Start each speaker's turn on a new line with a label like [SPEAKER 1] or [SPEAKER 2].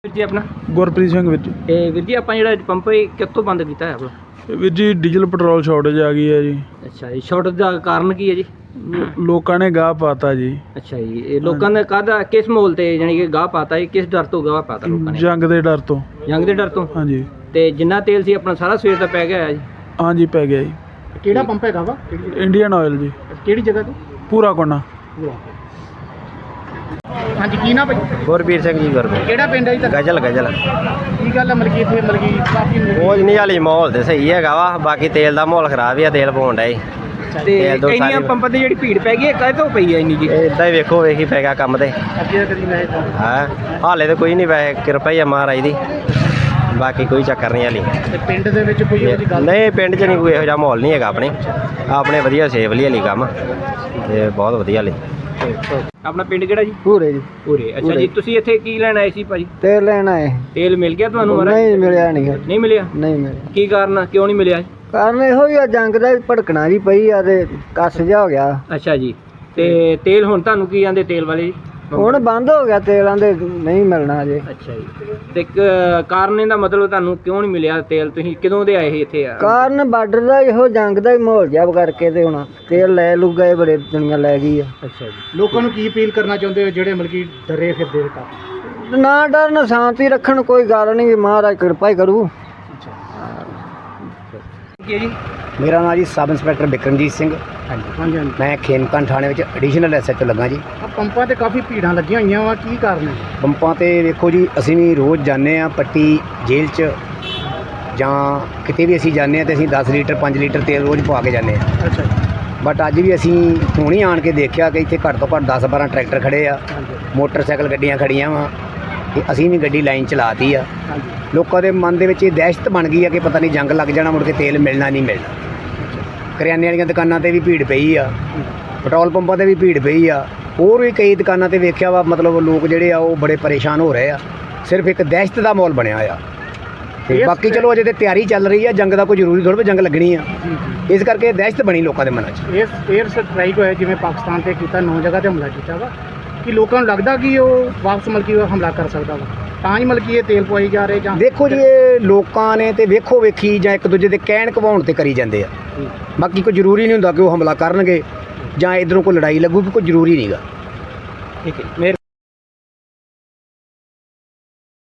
[SPEAKER 1] ਵੀਰ ਜੀ ਆਪਣਾ
[SPEAKER 2] ਗੁਰਪ੍ਰੀਤ ਸਿੰਘ ਵੀਰ ਜੀ।
[SPEAKER 1] ਵੀਰ ਜੀ ਆਪਾਂ ਜਿਹੜਾ ਪੰਪ ਕਿੱਥੋਂ ਬੰਦ ਕੀਤਾ ਹੈ ਆਪਣਾ?
[SPEAKER 2] ਵੀਰ ਜੀ ਡੀਜ਼ਲ ਪੈਟਰੋਲ ਸ਼ਾਰਟੇਜ ਆ ਗਈ ਹੈ ਜੀ।
[SPEAKER 1] ਅੱਛਾ ਜੀ, ਸ਼ਾਰਟੇਜ ਦਾ ਕਾਰਨ ਕੀ ਹੈ ਜੀ?
[SPEAKER 2] ਲੋਕਾਂ ਨੇ ਗਾਹ ਪਾਤਾ ਜੀ।
[SPEAKER 1] ਅੱਛਾ ਜੀ, ਇਹ ਲੋਕਾਂ ਨੇ ਕਾਹਦਾ ਕਿਸ ਮਾਹੌਲ ਤੇ ਜਾਨੀ ਕਿ ਗਾਹ ਪਾਤਾ ਜੀ? ਕਿਸ ਡਰ ਤੋਂ ਗਾਹ ਪਾਤਾ ਲੋਕਾਂ ਨੇ?
[SPEAKER 2] ਜੰਗ ਦੇ ਡਰ ਤੋਂ।
[SPEAKER 1] ਜੰਗ ਦੇ ਡਰ ਤੋਂ?
[SPEAKER 2] ਹਾਂਜੀ।
[SPEAKER 1] ਤੇ ਜਿੰਨਾ ਤੇਲ ਸੀ ਆਪਣਾ ਸਾਰਾ ਸਵੇਰ ਦਾ ਪੈ ਗਿਆ ਹੈ ਜੀ?
[SPEAKER 2] ਹਾਂਜੀ ਪੈ ਗਿਆ ਜੀ।
[SPEAKER 1] ਕਿਹੜਾ ਪੰਪ ਹੈਗਾ ਵਾ?
[SPEAKER 2] ਇੰਡੀਅਨ ਆਇਲ ਜੀ।
[SPEAKER 1] ਕਿਹੜੀ ਜਗ੍ਹਾ ਤੇ?
[SPEAKER 2] ਪੂਰਾ ਕੋਨਾ।
[SPEAKER 1] ਹਾਂਜੀ, ਕੀ ਨਾ ਭਾਈ?
[SPEAKER 3] ਗੁਰਬੀਰ ਸਿੰਘ ਜੀ ਗੁਰਬੀਰ।
[SPEAKER 1] ਕਿਹੜਾ ਪਿੰਡ ਹੈ ਜੀ?
[SPEAKER 3] ਗਜਲ
[SPEAKER 1] ਕੀ ਗੱਲ ਹੈ ਮਲਕੀ ਇੱਥੇ ਕਾਫੀ
[SPEAKER 3] ਕੁਝ ਨਹੀਂ ਹਾਲੀ ਮਾਹੌਲ ਤੇ ਸਹੀ ਹੈਗਾ ਵਾ, ਬਾਕੀ ਤੇਲ ਦਾ ਮਾਹੌਲ ਖਰਾਬ ਹੀ ਆ, ਤੇਲ ਪਾਉਣ ਡਿਆ ਜੀ।
[SPEAKER 1] ਤੇ
[SPEAKER 3] ਤੇਲ ਦੋ
[SPEAKER 1] ਇੰਨੀਆਂ
[SPEAKER 3] ਸਾਰੀ
[SPEAKER 1] ਪੰਪਾਂ ਤੇ ਜਿਹੜੀ ਭੀੜ ਪੈ ਗਈ ਹੈ ਕਾਹਦੇ ਤੋਂ ਪਈ ਹੈ ਇੰਨੀ ਜੀ?
[SPEAKER 3] ਇਦਾਂ ਹੀ ਵੇਖੋ ਵੇਖੀ ਪੈ ਗਿਆ ਕੰਮ ਤੇ।
[SPEAKER 1] ਅੱਗੇ ਕਦੀ ਮੈਂ
[SPEAKER 3] ਹਾਂ ਹਾਲੇ ਤਾਂ ਕੋਈ ਨਹੀਂ, ਵੈਸੇ ਕਿਰਪਾ ਹੀ ਆ ਮਹਾਰਾਜ ਦੀ, ਬਾਕੀ ਕੋਈ ਚੱਕਰ ਨਹੀਂ ਹਾਲੀ।
[SPEAKER 1] ਤੇ ਪਿੰਡ ਦੇ ਵਿੱਚ ਕੋਈ ਇਹੋ ਜਿਹੀ ਗੱਲ?
[SPEAKER 3] ਨਹੀਂ ਪਿੰਡ 'ਚ ਨਹੀਂ ਕੋਈ ਇਹੋ ਜਿਹਾ ਮਾਹੌਲ ਨਹੀਂ ਹੈਗਾ ਆਪਣੇ ਵਧੀਆ ਸੇਫਲੀ ਹਾਲੀ ਕੰਮ ਤੇ ਬਹੁਤ ਵਧੀਆ ਹਾਲੀ।
[SPEAKER 1] ਆਪਣਾ ਪਿੰਡ ਕਿਹੜਾ ਜੀ?
[SPEAKER 4] ਪੂਰੇ ਜੀ।
[SPEAKER 1] ਪੂਰੇ। ਅੱਛਾ ਜੀ, ਤੁਸੀਂ ਇੱਥੇ ਕੀ ਲੈਣ ਆਏ ਸੀ ਭਾਜੀ?
[SPEAKER 4] ਤੇਲ ਲੈਣਾ ਹੈ।
[SPEAKER 1] ਤੇਲ ਮਿਲ ਗਿਆ ਤੁਹਾਨੂੰ ਮਹਾਰਾਜ?
[SPEAKER 4] ਨਹੀਂ ਮਿਲਿਆ ਨਹੀਂ।
[SPEAKER 1] ਨਹੀਂ ਮਿਲਿਆ?
[SPEAKER 4] ਨਹੀਂ ਮਿਲਿਆ।
[SPEAKER 1] ਕੀ ਕਾਰਨ? ਕਿਉਂ ਨਹੀਂ ਮਿਲਿਆ?
[SPEAKER 4] ਕਾਰਨ ਇਹੋ ਹੀ ਆ, ਜੰਗ ਦਾ ਭੜਕਣਾ ਜੀ ਪਈ ਆ ਤੇ ਕੱਸ ਜਾ ਹੋ ਗਿਆ।
[SPEAKER 1] ਅੱਛਾ ਜੀ, ਤੇ ਤੇਲ ਹੁਣ ਤੁਹਾਨੂੰ ਕੀ ਆਂਦੇ ਤੇਲ ਵਾਲੇ ਜੀ?
[SPEAKER 4] ਹੁਣ ਬੰਦ ਹੋ ਗਿਆ ਤੇਲਾਂ ਦੇ, ਨਹੀਂ ਮਿਲਣਾ ਅਜੇ।
[SPEAKER 1] ਅੱਛਾ ਜੀ, ਤੇ ਕਾਰਨ ਇਹਦਾ ਮਤਲਬ ਤੁਹਾਨੂੰ ਕਿਉਂ ਨਹੀਂ ਮਿਲਿਆ ਤੇਲ? ਤੁਸੀਂ ਕਦੋਂ ਦੇ ਆਏ ਸੀ ਇੱਥੇ?
[SPEAKER 4] ਕਾਰਨ ਬਾਰਡਰ ਦਾ ਇਹੋ ਜੰਗ ਦਾ ਹੀ ਮਾਹੌਲ ਜਿਹਾ ਕਰਕੇ ਤੇ ਹੁਣ ਤੇਲ ਲੈ ਲੂ ਗਏ, ਬੜੇ ਦੁਨੀਆ ਲੈ ਗਈ ਆ।
[SPEAKER 1] ਅੱਛਾ ਜੀ, ਲੋਕਾਂ ਨੂੰ ਕੀ ਅਪੀਲ ਕਰਨਾ ਚਾਹੁੰਦੇ ਹੋ ਜਿਹੜੇ ਮਤਲਬ ਕਿ ਡਰੇ ਫਿਰਦੇ ਤਾਂ?
[SPEAKER 4] ਨਾ ਡਰਨ, ਸ਼ਾਂਤੀ ਰੱਖਣ, ਕੋਈ ਗੱਲ ਨਹੀਂ, ਮਹਾਰਾਜ ਕਿਰਪਾ ਹੀ ਕਰੂ।
[SPEAKER 1] ਕੀ ਹੈ ਜੀ?
[SPEAKER 5] ਮੇਰਾ ਨਾਮ ਜੀ ਸਬ ਇੰਸਪੈਕਟਰ ਬਿਕਰਮਜੀਤ ਸਿੰਘ।
[SPEAKER 1] ਹਾਂਜੀ।
[SPEAKER 5] ਮੈਂ ਖੇਮਕਰਨ ਥਾਣੇ ਵਿੱਚ ਐਡੀਸ਼ਨਲ ਐਸਐਚਓ ਲੱਗਾ ਜੀ।
[SPEAKER 1] ਆ ਪੰਪਾਂ ਤੇ ਕਾਫੀ ਭੀੜਾਂ ਲੱਗੀਆਂ ਹੋਈਆਂ ਵਾ, ਕੀ ਕਾਰਨ ਹੈ?
[SPEAKER 5] ਪੰਪਾਂ ਤੇ ਵੇਖੋ ਜੀ, ਅਸੀਂ ਵੀ ਰੋਜ਼ ਜਾਂਦੇ ਆ ਪੱਟੀ ਜੇਲ੍ਹ 'ਚ ਜਾਂ ਕਿਤੇ ਵੀ ਅਸੀਂ ਜਾਂਦੇ ਆ ਤੇ ਅਸੀਂ 10 ਲੀਟਰ 5 ਲੀਟਰ ਤੇਲ ਰੋਜ਼ ਪਵਾ ਕੇ ਜਾਂਦੇ ਆ।
[SPEAKER 1] ਅੱਛਾ ਜੀ।
[SPEAKER 5] ਬਟ ਅੱਜ ਵੀ ਅਸੀਂ ਹੁਣੀ ਆਣ ਕੇ ਦੇਖਿਆ ਕਿ ਇੱਥੇ ਘੱਟ ਤੋਂ ਘੱਟ 10-12 ਟਰੈਕਟਰ ਖੜੇ ਆ, ਮੋਟਰਸਾਈਕਲ ਗੱਡੀਆਂ ਖੜੀਆਂ ਵਾ ਤੇ ਅਸੀਂ ਵੀ ਗੱਡੀ ਲਾਈਨ ਚਲਾਤੀ ਆ। ਲੋਕਾਂ ਦੇ ਮਨ ਦੇ ਵਿੱਚ ਇਹ ਦਹਿਸ਼ਤ ਬਣ ਗਈ ਆ ਕਿ ਪਤਾ ਨਹੀਂ ਜੰਗ ਲੱਗ ਜਾਣਾ, ਮੁੜ ਕੇ ਤੇਲ ਮਿਲਣਾ ਨਹੀਂ ਮਿਲਣਾ। ਕਰਿਆਨੇ ਵਾਲੀਆਂ ਦੁਕਾਨਾਂ ਤੇ ਵੀ ਭੀੜ ਪਈ ਆ, ਪੈਟਰੋਲ ਪੰਪਾਂ ਤੇ ਵੀ ਭੀੜ ਪਈ ਆ, ਹੋਰ ਵੀ ਕਈ ਦੁਕਾਨਾਂ ਤੇ ਵੇਖਿਆ ਵਾ। ਮਤਲਬ ਲੋਕ ਜਿਹੜੇ ਆ ਉਹ ਬੜੇ ਪਰੇਸ਼ਾਨ ਹੋ ਰਹੇ ਆ, ਸਿਰਫ ਇੱਕ ਦਹਿਸ਼ਤ ਦਾ ਮਾਹੌਲ ਬਣਿਆ ਆ। ਤੇ ਬਾਕੀ ਚਲੋ ਅਜੇ ਤੇ ਤਿਆਰੀ ਚੱਲ ਰਹੀ ਆ, ਜੰਗ ਦਾ ਕੋਈ ਜ਼ਰੂਰੀ ਥੋੜ੍ਹਾ ਵੀ ਜੰਗ ਲੱਗਣੀ ਆ, ਇਸ ਕਰਕੇ ਦਹਿਸ਼ਤ ਬਣੀ ਲੋਕਾਂ ਦੇ ਮਨਾਂ 'ਚ।
[SPEAKER 1] ਏਅਰ ਸਟ੍ਰਾਈਕ ਹੋਇਆ ਜਿਵੇਂ ਪਾਕਿਸਤਾਨ ਤੇ ਕੀਤਾ, 9 ਜਗ੍ਹਾ ਤੇ ਹਮਲਾ ਕੀਤਾ ਵਾ, ਕਿ ਲੋਕਾਂ ਨੂੰ ਲੱਗਦਾ ਕਿ ਉਹ ਵਾਪਸ ਮਲਕੀ ਹਮਲਾ ਕਰ ਸਕਦਾ ਵਾ, ਤਾਂ ਹੀ ਮਲਕੀ ਇਹ ਤੇਲ ਪਵਾਈ ਜਾ ਰਹੇ? ਜਾਂ
[SPEAKER 5] ਦੇਖੋ ਜੀ, ਇਹ ਲੋਕਾਂ ਨੇ ਤੇ ਵੇਖੋ ਵੇਖੀ ਜਾਂ ਇੱਕ ਦੂਜੇ ਦੇ ਕਹਿਣ ਕਵਾਉਣ ਤੇ ਕਰੀ ਜਾਂਦੇ ਆ, ਬਾਕੀ ਕੋਈ ਜ਼ਰੂਰੀ ਨਹੀਂ ਹੁੰਦਾ ਕਿ ਉਹ ਹਮਲਾ ਕਰਨਗੇ ਜਾਂ ਇੱਧਰੋਂ ਕੋਈ ਲੜਾਈ ਲੱਗੂਗੀ, ਕੋਈ ਜ਼ਰੂਰੀ ਨਹੀਂਗਾ।
[SPEAKER 1] ਠੀਕ ਹੈ।